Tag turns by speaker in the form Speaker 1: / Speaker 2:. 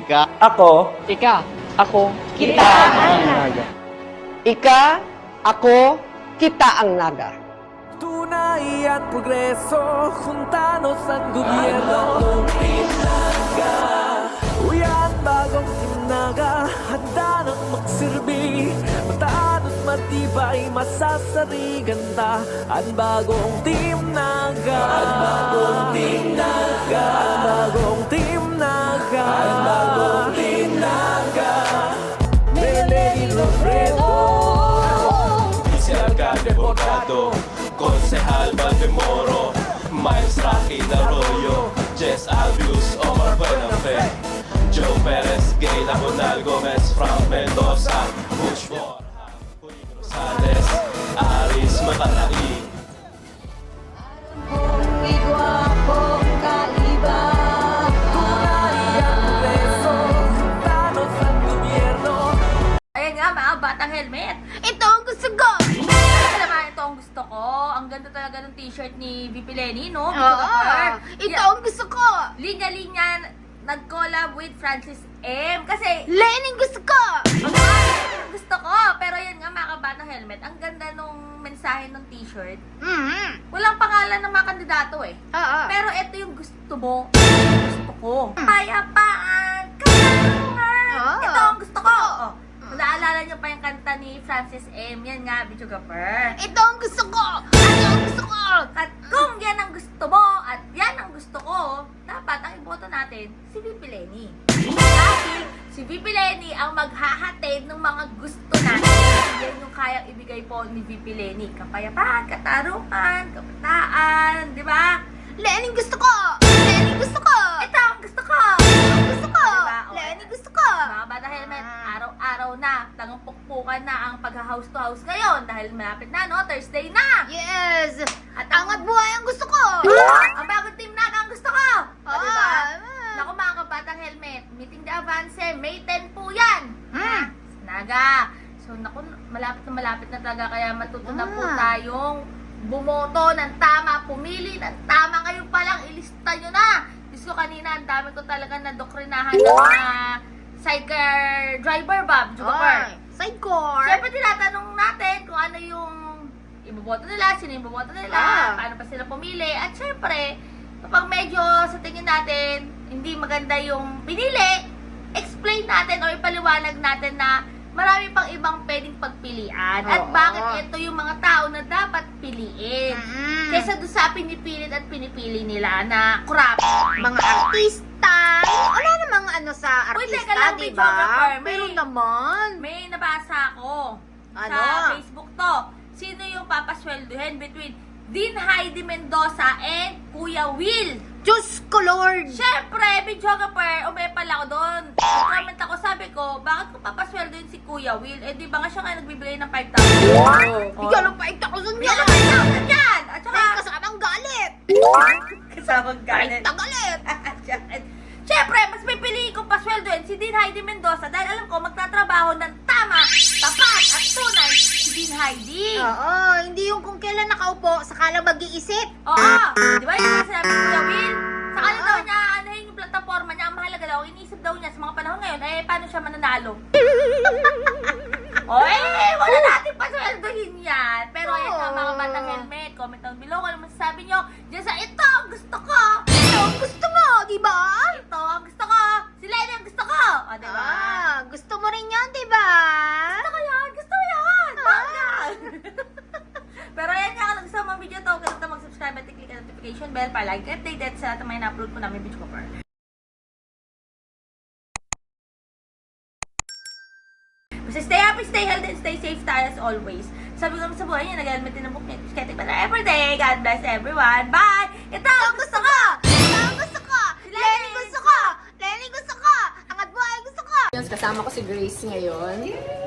Speaker 1: Ika,
Speaker 2: Ako,
Speaker 3: Ika, ako,
Speaker 2: kita ang naga. Ika, ako, kita ang naga.
Speaker 4: Tunay at progreso, juntanos ang gobyerno. Uyan, bagong tinaga, handa nang magsilbi. Mataan at matibay, masasarigan ta. Ang bagong Team Naga. Ang bagong Team Naga. Ang bagong Team Naga. Ang bagong Team Naga. Melanie Robredo.
Speaker 5: Si Alcalde Bordado, Konsehal Valdemoro, Miles Raquel Arroyo, Jess Albius, Omar Buenafe, Joe Perez, Gay Labonal Gomez, Frank Mendoza, Butch Borja, Julio Rosales, Aris Matalai.
Speaker 6: Ayan nga mga batang helmet.
Speaker 7: Ito ang gusto ko!
Speaker 6: Alam naman, ito ang gusto ko. Ang ganda talaga ng t-shirt ni VP Lenny, no?
Speaker 7: Oo! Ito ang gusto ko!
Speaker 6: Linya-linya nag-collab with Francis M. Kasi,
Speaker 7: Lenin gusto ko!
Speaker 6: ang gusto ko. Pero yan nga mga kabatang helmet, ang ganda nung mensahe ng t-shirt. Walang pangalan ng mga kandidato eh.
Speaker 7: Oo.
Speaker 6: Pero ito yung gusto mo. Gusto ko. Payapaan, katanungan.
Speaker 7: Oo.
Speaker 6: Ito ang gusto ko. Oh. Kung naalala niyo pa yung kanta ni Francis M. Yan nga, videographer.
Speaker 7: Ito ang gusto ko! Ano ang gusto ko?
Speaker 6: At kung yan ang gusto mo at yan ang gusto ko, dapat ang iboto natin si VP Lenny. Dahil si VP Lenny ang maghahatid ng mga gusto natin. Yan yung kayang ibigay po ni VP Lenny. Kapayapaan, katarungan, kabataan, di ba?
Speaker 7: Lenin gusto ko! Lenin gusto ko!
Speaker 6: Ito ang gusto ko!
Speaker 7: Gusto ko!
Speaker 6: Diba? O,
Speaker 7: Lenin gusto ko!
Speaker 6: Mga bata helmet, araw-araw na, tangang pukpukan na ang pag-house to house ngayon dahil malapit na, no? Thursday na!
Speaker 7: Yes!
Speaker 6: At
Speaker 7: Angat buhay ang gusto ko!
Speaker 6: Ang bagong team Naga ang gusto ko! O,
Speaker 7: Oo.
Speaker 6: diba? Naku mga kabatang helmet, meeting the advance, May 10 po yan! Ha? Sa Naga. So, naku, malapit na talaga, kaya matuto na po tayong bumoto ng tama, pumili ng tama. Ngayon pa lang, ilista nyo na! Diyos ko, kanina, ang dami ko talaga nadokrinahan ng mga sidecar driver, Bob.
Speaker 7: Oy! Sidecar!
Speaker 6: Siyempre, tinatanong natin kung ano yung iboboto nila, sino yung iboboto nila, paano pa sila pumili. At siyempre, kapag medyo sa tingin natin, hindi maganda yung pinili, explain natin o ipaliwanag natin na marami pang ibang pwedeng pagpilian. At
Speaker 7: Oo.
Speaker 6: bakit ito yung mga tao na dapat piliin.
Speaker 7: Mm.
Speaker 6: Kaysa doon sa pinipilit at pinipili nila na crap.
Speaker 7: Mga artista! Wala namang ano sa
Speaker 6: Uy,
Speaker 7: artista,
Speaker 6: teka lang,
Speaker 7: di
Speaker 6: videographer.
Speaker 7: ba? Pero naman!
Speaker 6: May nabasa ako
Speaker 7: Ano?
Speaker 6: sa Facebook to. Sino yung papasweldohin between Dean Heidi Mendoza and Kuya Will?
Speaker 7: Diyos ko, Lord!
Speaker 6: Siyempre, videographer, umepal ako doon. Nag-comment ako, sabi ko, bakit ko papasweldohin si Kuya Will? Eh, di ba nga siya nga nagbibigay ng 5,000?
Speaker 7: Bigyan ng paikta ko sun
Speaker 6: Bigyan
Speaker 7: yan!
Speaker 6: ng 5,000 yan! At saka,
Speaker 7: May kasamang galit!
Speaker 6: kasamang galit.
Speaker 7: Paikta galit!
Speaker 6: Siyempre, mas pipiliin kong pasweldohin si Dean Heidi Mendoza dahil alam ko magtatrabaho ng tama, tapat at tunay si Dean Heidi.
Speaker 7: Oo, hindi yung kung kailan nakaupo, saka lang mag-iisip.
Speaker 6: Oo! Di ba yung mga sinabi ni Kuya Will? Saka daw niya, anahin yung plataforma niya, ang mahalaga daw, iniisip daw niya sa mga panahon ngayon, eh, paano siya mananalo? O eh, wala natin pasweldohin yan. Pero ayan nga mga batang helmet, comment down below kung ano masasabi nyo. Diyan sa ito ang gusto ko.
Speaker 7: Ito ang gusto mo, di ba?
Speaker 6: Ito ang gusto ko. Si Lenny ang gusto ko. O, di ba?
Speaker 7: Gusto mo rin yan, di ba?
Speaker 6: Gusto ko yan. Gusto ko yan. Bangga. Pero ayan nga, kung gusto mo ang video to, kaya mag-subscribe at i-click ang notification bell para like updated sa lahat ng mga na-upload ko namin video cover. Basta stay happy, stay healthy, and stay safe tayo as always. Sabi ko naman sa buhay niya, nag-helmet din ang book niya. Getting better everyday. God bless everyone. Bye! Ito ang gusto ko!
Speaker 7: Ito ang gusto ko! Lenny gusto ko! Lenny gusto ko! Angat buhay gusto ko!
Speaker 8: Kasama ko si Grace ngayon.